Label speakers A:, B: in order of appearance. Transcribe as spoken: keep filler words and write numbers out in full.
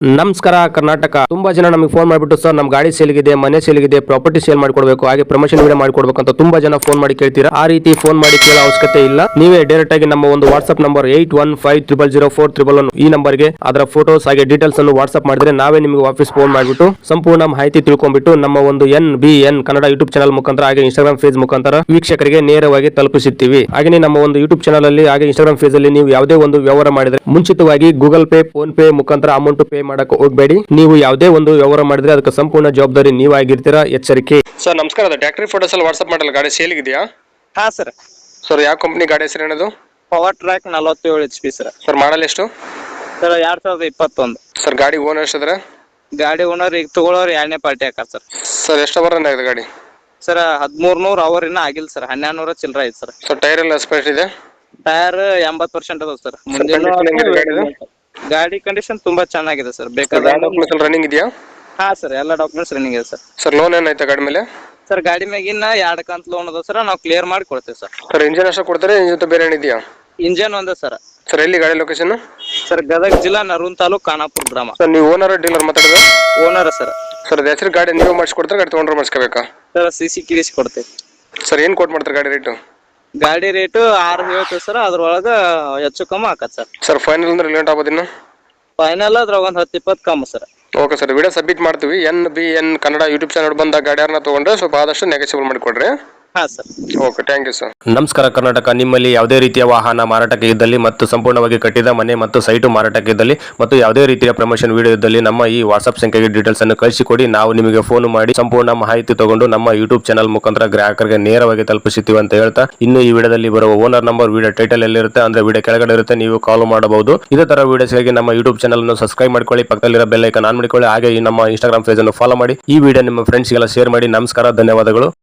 A: ನಮಸ್ಕಾರ ಕರ್ನಾಟಕ. ತುಂಬಾ ಜನ ನಮಗೆ ಫೋನ್ ಮಾಡಿಬಿಟ್ಟು ಸರ್ ನಮ್ಮ ಗಾಡಿ ಸೇಲ್ಗಿದೆ, ಮನೆ ಸೇಲ್ಗಿದೆ, ಪ್ರಾಪರ್ಟಿ ಸೇಲ್ ಮಾಡ್ಕೊಡ್ಬೇಕು, ಹಾಗೆ ಪ್ರಮೋಷನ್ ವಿಡಿಯೋ ಮಾಡ್ಕೊಡ್ಬೇಕು ಅಂತ ತುಂಬಾ ಜನ ಫೋನ್ ಮಾಡಿ ಕೇಳ್ತೀರಾ. ಆ ರೀತಿ ಫೋನ್ ಮಾಡಿ ಕೇಳೋ ಅವಶ್ಯಕತೆ ಇಲ್ಲ. ನೀವೇ ಡೈರೆಕ್ಟ್ ಆಗಿ ನಮ್ಮ ಒಂದು WhatsApp number eight one five triple zero four triple one ಈ ನಂಬರ್ಗೆ ಅದರ ಫೋಟೋಸ್ ಹಾಗೆ ಡೀಟೇಲ್ಸ್ ಅನ್ನು ವಾಟ್ಸ್ಆಪ್ ಮಾಡಿದ್ರೆ ನಾವೇ ನಿಮಗೆ ವಾಪಸ್ ಫೋನ್ ಮಾಡಿಬಿಟ್ಟು ಸಂಪೂರ್ಣ ಮಾಹಿತಿ ತಿಳ್ಕೊಂಡ್ಬಿಟ್ಟು ನಮ್ಮ ಒಂದು N B N Kannada YouTube channel ಮುಖಾಂತರ ಹಾಗೆ ಇನ್ಸ್ಟಾಗ್ರಾಮ್ ಫೇಸ್ ಮುಖಾಂತರ ವೀಕ್ಷಕರಿಗೆ ನೇರವಾಗಿ ತಲುಪಿಸುತ್ತೀವಿ. ಹಾಗೆ ನಮ್ಮ ಒಂದು ಯೂಟ್ಯೂಬ್ ಚಾನಲ್ ಅಲ್ಲಿ ಹಾಗೆ ಇನ್ಸ್ಟಾಗ್ರಾಮ್ ಫೇಸ್ ಅಲ್ಲಿ ನೀವು ಯಾವುದೇ ಒಂದು ವ್ಯವಹಾರ ಮಾಡಿದ್ರೆ ಮುಂಚಿತವಾಗಿ ಗೂಗಲ್ ಪೇ, ಫೋನ್ ಪೇ ಮುಖಾಂತರ ಅಮೌಂಟ್ ಪೇ ಮಾಡಕ್ಕೆ ಹೋಗಬೇಡಿ. ನೀವು ಯಾವುದೇ ಒಂದು ವ್ಯವಹಾರ ಮಾಡಿದ್ರೆ ಅದಕ್ಕೆ ಸಂಪೂರ್ಣ ಜವಾಬ್ದಾರಿ ನೀವಾಗಿರ್ತೀರಾ, ಎಚ್ಚರಿಕೆ. ಸರ್ ನಮಸ್ಕಾರ, ಅದು ಟ್ರ್ಯಾಕ್ಟರಿ ಫೋಟೋಸ್ ಅಲ್ಲಿ ವಾಟ್ಸ್ಆಪ್ ಮಾಡಲ್ಲ, ಗಾಡಿ ಸೇಲ್ ಇದೆಯಾ?
B: ಹಾ ಸರ್.
A: ಸರ್ ಯಾವ ಕಂಪನಿ ಗಾಡಿ ಹೆಸರು ಏನದು?
B: ಪವರ್ ಟ್ರ್ಯಾಕ್ ನಲವತ್ತೇಳು H P sir.
A: Sir model ಎಷ್ಟು?
B: ಸರ್ ಎರಡ್ ಸಾವಿರದ ಇಪ್ಪತ್ತೊಂದು.
A: ಸರ್ ಗಾಡಿ ಓನರ್ ಎಷ್ಟಿದ್ರೆ?
B: ಗಾಡಿ ಓನರ್ ಈಗ ತಗೊಳ್ಳೋರು ಎರಡನೇ ಪಾರ್ಟಿ ಹಾಕಾರ ಸರ್.
A: ಸರ್ ಎಷ್ಟು ಅವರ್ ಆಗಿದೆ ಗಾಡಿ?
B: ಸರ್ ಹದಿಮೂರ್ ನೂರ್ ಅವರ್ ಇನ್ನ ಆಗಿಲ್ಲ ಸರ್, ಹನ್ನೆರಡು ನೂರ ಚಿಲ್ಲರ ಐತೆ ಸರ್.
A: ಸರ್ ಟೈರ್ ಎಲ್ಲ ಸ್ಪೇಸ್ ಇದೆ?
B: ಟೈರ್ ಎಂಬತ್ತು ಪರ್ಸೆಂಟ್ ಅದಾವ ಸರ್. ಗಾಡಿ ಕಂಡೀಷನ್ ತುಂಬಾ ಚೆನ್ನಾಗಿದೆ ಸರ್. ಬೇಕಾದ್ರೆ
A: ರನ್ನಿಂಗ್ ಇದೆಯಾ?
B: ಹಾ ಸರ್, ಎಲ್ಲ ಡಾಕ್ಯುಮೆಂಟ್ಸ್ ರನ್ನಿಂಗ್ ಇದೆ ಸರ್.
A: ಸರ್ ಲೋನ್ ಏನಾಯ್ತಾ ಗಾಡಿ ಮೇಲೆ?
B: ಸರ್ ಗಾಡಿ ಮ್ಯಾಗಿನ ಎರಡ್ ಕಂತ್ ಲೋನ್ ಅದ ಸರ್, ನಾವು ಕ್ಲಿಯರ್ ಮಾಡಿ ಕೊಡ್ತೇವೆ ಸರ್.
A: ಸರ್ ಇಂಜಿನ್ ಅಷ್ಟೇ ಕೊಡ್ತಾರೆ, ಇಂಜಿನ್ ಜೊತೆ ಬೇರೆ ಏನಿದೆಯಾ?
B: ಇಂಜಿನ್ ಒಂದೇ ಸರ್.
A: ಸರ್ ಎಲ್ಲಿ ಗಾಡಿ ಲೊಕೇಶನ್?
B: ಸರ್ ಗದಗ ಜಿಲ್ಲಾ ನರೂನ್ ತಾಲೂಕ್ ಖಾನಾಪುರ ಗ್ರಾಮ.
A: ಸರ್ ನೀವು ಓನರ್ ಡೀಲರ್ ಮಾತಾಡೋದು?
B: Owner sir.
A: ಸರ್ ಹೆಸರು ಗಾಡಿ ನೀವು ಮಾಡಿಸ್ಕೊಡ್ತಾರೆ, ಗಾಡಿ ತೊಗೊಂಡ್ರೆ ಮಾಡಿಸ್ಕೋಬೇಕಾ?
B: ಸರ್ ಸಿ ಸಿ ಕಿರಿಸಿ ಕೊಡ್ತೇವೆ.
A: ಸರ್ ಏನ್ ಕೊಟ್ ಮಾಡ್ತಾರೆ ಗಾಡಿ ರೇಟು?
B: ಗಾಡಿ ರೇಟ್ ಆರು ಹೇಳ್ತೇವೆ ಸರ್, ಅದ್ರೊಳಗ ಹೆಚ್ಚು ಕಮ್ಮಿ ಆಕತ್ ಸರ್.
A: ಸರ್ ಫೈನಲ್ ಅಂದ್ರೆ ಲೇಟ್ ಆಗೋದು ಇನ್ನು?
B: ಫೈನಲ್ ಅದ್ರಾಗ ಒಂದ್ ಹತ್ತು ಇಪ್ಪತ್ತು ಕಮ್ಮಿ sir.
A: Okay sir, video submit ಮಾಡ್ತೀವಿ. N B N Kannada YouTube channel ಬಂದ ಗಾಡಿಯಾರನ್ನ ತಗೊಂಡ್ರೆ ಸ್ವಲ್ಪ ಆದಷ್ಟು ನೆಗೆಸಿಬಲ್ ಮಾಡಿಕೊಡ್ರಿ.
B: ಹಾ sir.
A: Okay, thank you sir. ನಮಸ್ಕಾರ ಕರ್ನಾಟಕ. ನಿಮ್ಮಲ್ಲಿ ಯಾವುದೇ ರೀತಿಯ ವಾಹನ ಮಾರಾಟಕ್ಕೆ ಇದ್ದಲ್ಲಿ ಮತ್ತು ಸಂಪೂರ್ಣವಾಗಿ ಕಟ್ಟಿದ ಮನೆ ಮತ್ತು ಸೈಟು ಮಾರಾಟಕ್ಕೆ ಇದ್ದಲ್ಲಿ ಮತ್ತು ಯಾವುದೇ ರೀತಿಯ ಪ್ರಮೋಷನ್ ವಿಡಿಯೋ ಇದ್ದಲ್ಲಿ ನಮ್ಮ ಈ ವಾಟ್ಸ್ಆಪ್ ಸಂಖ್ಯೆಗೆ ಡೀಟೇಲ್ಸ್ ಅನ್ನು ಕಳಿಸಿಕೊಡಿ. ನಾವು ನಿಮಗೆ ಫೋನ್ ಮಾಡಿ ಸಂಪೂರ್ಣ ಮಾಹಿತಿ ತಗೊಂಡು ನಮ್ಮ ಯೂಟ್ಯೂಬ್ ಚಾನಲ್ ಮುಖಾಂತರ ಗ್ರಾಹಕರಿಗೆ ನೇರವಾಗಿ ತಲುಪಿಸುತ್ತೀವಿ ಅಂತ ಹೇಳ್ತಾ, ಇನ್ನು ಈ ವಿಡಿಯೋದಲ್ಲಿ ಬರುವ ಓನರ್ ನಂಬರ್ ವಿಡಿಯೋ ಟೈಟಲ್ ಎಲ್ಲಿರುತ್ತೆ ಅಂದ್ರೆ ವಿಡಿಯೋ ಕೆಳಗಡೆ ಇರುತ್ತೆ, ನೀವು ಕಾಲ್ ಮಾಡಬಹುದು. ಇದೇ ತರ ವಿಡಿಯೋಸ್ಗಾಗಿ ನಮ್ಮ ಯೂಟ್ಯೂಬ್ ಚಾನಲ್ ಅನ್ನು ಸಬ್ಸ್ಕ್ರೈಬ್ ಮಾಡ್ಕೊಳ್ಳಿ, ಪಕ್ಕದಲ್ಲಿರೋ ಬೆಲ್ ಐಕಾನ್ ಆನ್ ಮಾಡಿಕೊಳ್ಳಿ, ಹಾಗೆ ಈ ನಮ್ಮ ಇನ್ಸ್ಟಾಗ್ರಾಮ್ ಪೇಜ್ ಅನ್ನು ಫಾಲೋ ಮಾಡಿ. ಈ ವಿಡಿಯೋ ನಿಮ್ಮ ಫ್ರೆಂಡ್ಸ್ಗೆಲ್ಲ ಶೇರ್ ಮಾಡಿ. ನಮಸ್ಕಾರ, ಧನ್ಯವಾದಗಳು.